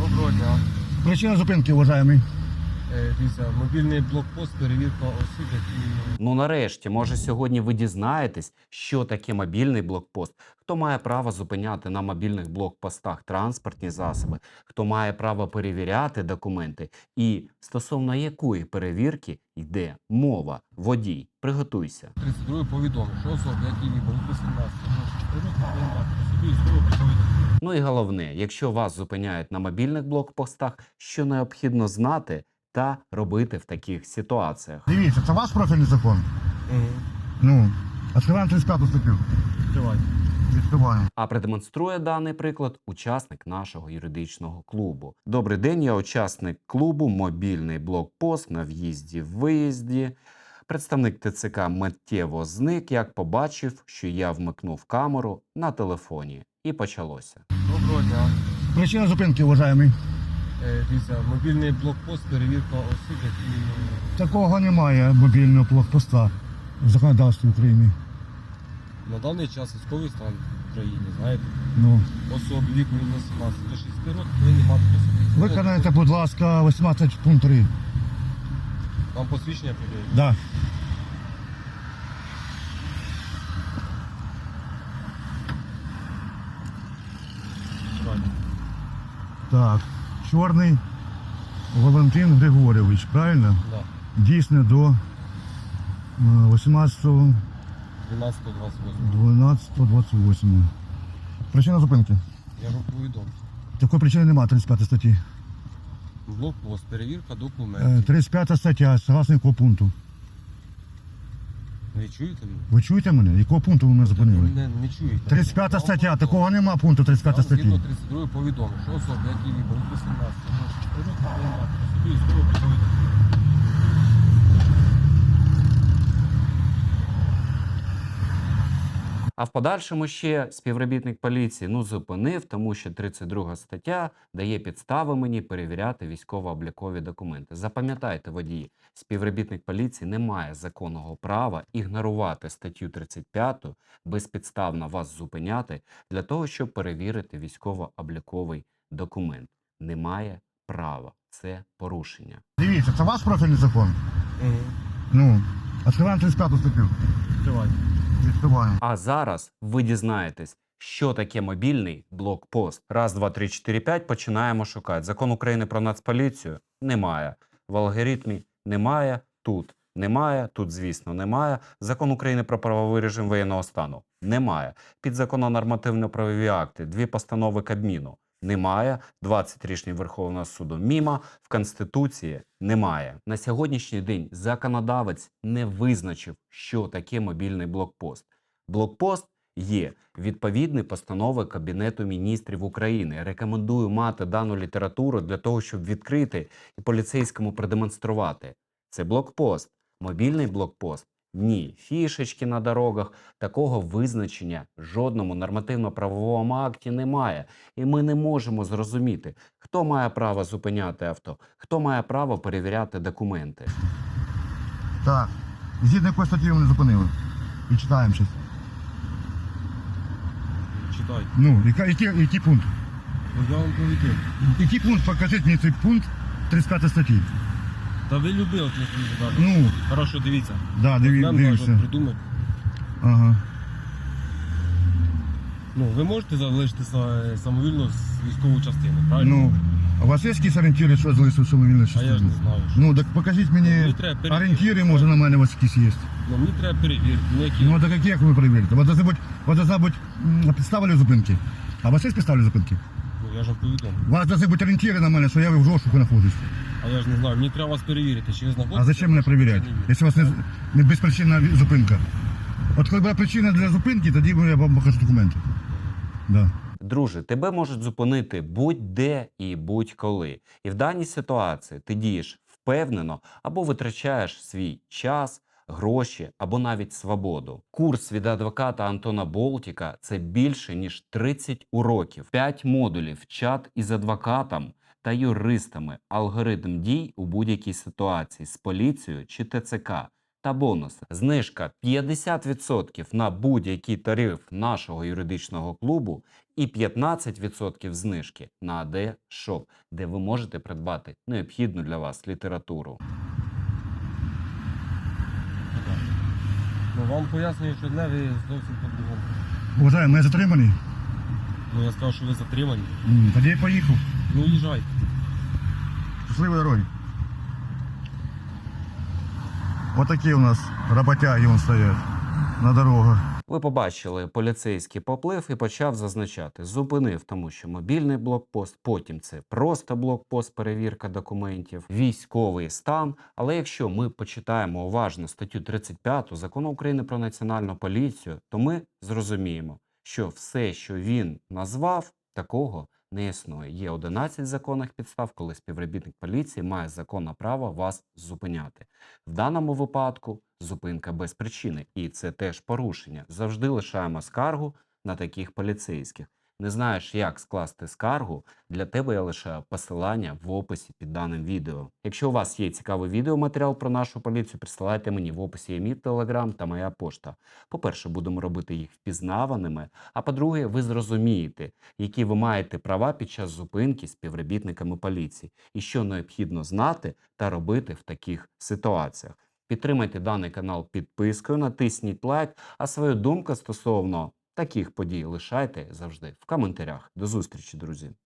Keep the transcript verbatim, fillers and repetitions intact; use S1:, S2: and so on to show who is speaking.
S1: Доброго дня.
S2: Причина зупинки, уважаемый.
S1: Е, Дивіться, мобільний блокпост, перевірка осіб, які...
S3: Ну нарешті, може сьогодні ви дізнаєтесь, що таке мобільний блокпост, хто має право зупиняти на мобільних блокпостах транспортні засоби, хто має право перевіряти документи і стосовно якої перевірки йде мова. Водій, приготуйся.
S1: тридцять другий повідомив, що особи, які були вісімнадцять років, повинні мати при собі військову призову.
S3: Ну і головне, якщо вас зупиняють на мобільних блокпостах, що необхідно знати та робити в таких ситуаціях.
S2: Дивіться, це ваш профільний закон?
S1: Угу.
S2: Ну, відкриваємо тридцять п'яту статтю.
S1: Тривайте.
S2: Відкриваємо.
S3: А продемонструє даний приклад учасник нашого юридичного клубу. Добрий день, я учасник клубу «Мобільний блокпост» на в'їзді-виїзді. Представник ТЦК миттєво зник, як побачив, що я вмикнув камеру на телефоні. І почалося.
S1: Доброго дня.
S2: Причина зупинки, уважаемый.
S1: Е, Дивіться, мобільний блокпост, перевірка осіб, які...
S2: Такого немає мобільного блокпоста в законодавстві України.
S1: На даний час військовий стан в країні, знаєте,
S2: Ну,
S1: особи віку від вісімнадцяти до шістдесяти років повинні мати при собі військову
S2: виконайте, будь ласка, вісімнадцять пункт три.
S1: Вам посвідчення прийде?
S2: Да. Так, Чорний Валентин Григорьович, правильно?
S1: Да.
S2: Дійсно до е, вісімнадцятого
S1: дванадцятого двадцять восьмого.
S2: дванадцятого двадцять восьмого. Причина зупинки.
S1: Я ж вам повідомив.
S2: Такої причини немає, тридцять п'ята статті.
S1: Блокпост, перевірка
S2: Е,
S1: документів.
S2: тридцять п'ята стаття, согласно якого пункту?
S1: Ви чуєте мене?
S2: Ви чуєте мене? Якого пункту ви мене
S1: Ви
S2: зупинили?
S1: мене не чуєте.
S2: тридцять п'ята
S1: Вам
S2: стаття,
S1: повідомив.
S2: такого нема пункту тридцять п'ята
S1: Вам згідно
S2: статті.
S1: тридцять другий повідомив, що особи, які віку від вісімнадцяти до шістдесяти років, повинні мати при собі військову призову.
S3: А в подальшому ще співробітник поліції ну зупинив, тому що тридцять друга стаття дає підстави мені перевіряти військово-облікові документи. Запам'ятайте, водії, співробітник поліції не має законного права ігнорувати статтю тридцять п'яту, безпідставно вас зупиняти для того, щоб перевірити військово-обліковий документ. Немає права. Це порушення.
S2: Дивіться, це ваш профільний закон?
S1: Угу.
S2: Ну, відкриваємо тридцять п'яту статтю.
S1: Тривайте.
S2: Відкриваємо.
S3: А зараз ви дізнаєтесь, що таке мобільний блокпост. Раз, два, три, чотири, п'ять, починаємо шукати. Закон України про Нацполіцію? Немає. В алгоритмі? Немає. Тут немає. Тут, звісно, немає. Закон України про правовий режим воєнного стану? Немає. Підзаконно нормативно-правові акти? Дві постанови Кабміну? Немає. двадцять рішень Верховного суду мімо. В Конституції немає. На сьогоднішній день законодавець не визначив, що таке мобільний блокпост. Блокпост є відповідні постанови Кабінету міністрів України. Рекомендую мати дану літературу для того, щоб відкрити і поліцейському продемонструвати. Це блокпост. Мобільний блокпост. Ні, фішечки на дорогах, такого визначення в жодному нормативно-правовому акті немає. І ми не можемо зрозуміти, хто має право зупиняти авто, хто має право перевіряти документи.
S2: Так. Згідно якої статті ви мене зупинили. І читаємо щось.
S1: Читайте.
S2: Ну, яка- який, який пункт?
S1: Я вам повідомив.
S2: Який пункт? Покажіть мені цей пункт тридцять п'ята статті.
S1: Та ви любили це задати.
S2: Ну,
S1: Хорошо, дивіться.
S2: да, диві,
S1: Нам
S2: дивіться.
S1: кажуть, придумати.
S2: Ага.
S1: Ну, ви можете залишити са- самовільно з військову частину, правильно?
S2: Ну, а у вас є якісь орієнтири, що залишив самовільну
S1: а
S2: частину?
S1: я ж не знаю. Що.
S2: Ну, так покажіть
S1: Ну, мені
S2: мені
S1: треба перевірити.
S2: орієнтири, може, на мене у вас якісь є.
S1: Ну, мені треба перевірити. Ну, які...
S2: Ну, так як ви перевірите? Ви должны бути, ви должна бути м, підстава для зупинки. А у вас є підстава для зупинки?
S1: Ну, я ж вам повідомив.
S2: У вас должны бути орієнтири на мене, що я в розшуку знаходжусь.
S1: А я ж не знаю, мені треба вас перевірити, чи ви знаходитесь.
S2: А зачем мене перевіряти,
S1: чи ні?
S2: якщо у вас не, не безпричинна зупинка? От коли буде причина для зупинки, тоді я вам покажу документи. Да.
S3: Друже, тебе можуть зупинити будь-де і будь-коли. І в даній ситуації ти дієш впевнено або витрачаєш свій час, гроші або навіть свободу. Курс від адвоката Антона Болтіка – це більше ніж тридцять уроків, п'ять модулів, чат із адвокатом та юристами, алгоритм дій у будь-якій ситуації з поліцією чи ТЦК. та бонуси. Знижка п'ятдесят відсотків на будь-який тариф нашого юридичного клубу і п'ятнадцять відсотків знижки на АД Shop, де ви можете придбати необхідну для вас літературу.
S1: Ну, вам пояснюю, що одне, ви зовсім по-другому.
S2: Уважаємо, я затриманий?
S1: Ну, я сказав, що ви затримані.
S2: М, Тоді я поїхав.
S1: Ну, їжджайте.
S2: Щасливої дороги. Отакі у нас роботяги вон стоять на дорогах.
S3: Ви побачили, поліцейський поплив і почав зазначати. Зупинив, тому що мобільний блокпост, потім це просто блокпост, перевірка документів, військовий стан. Але якщо ми почитаємо уважно статтю тридцять п'яту Закону України про національну поліцію, то ми зрозуміємо, що все, що він назвав, такого не існує. Є одинадцять законних підстав, коли співробітник поліції має законне право вас зупиняти. В даному випадку зупинка без причини. І це теж порушення. Завжди лишаємо скаргу на таких поліцейських. Не знаєш, як скласти скаргу? Для тебе я лишаю посилання в описі під даним відео. Якщо у вас є цікавий відеоматеріал про нашу поліцію, присилайте мені в описі є мій телеграм та моя пошта. По-перше, будемо робити їх впізнаваними, а по-друге, ви зрозумієте, які ви маєте права під час зупинки співробітниками поліції і що необхідно знати та робити в таких ситуаціях. Підтримайте даний канал підпискою, натисніть лайк, а свою думку стосовно таких подій лишайте завжди в коментарях. До зустрічі, друзі!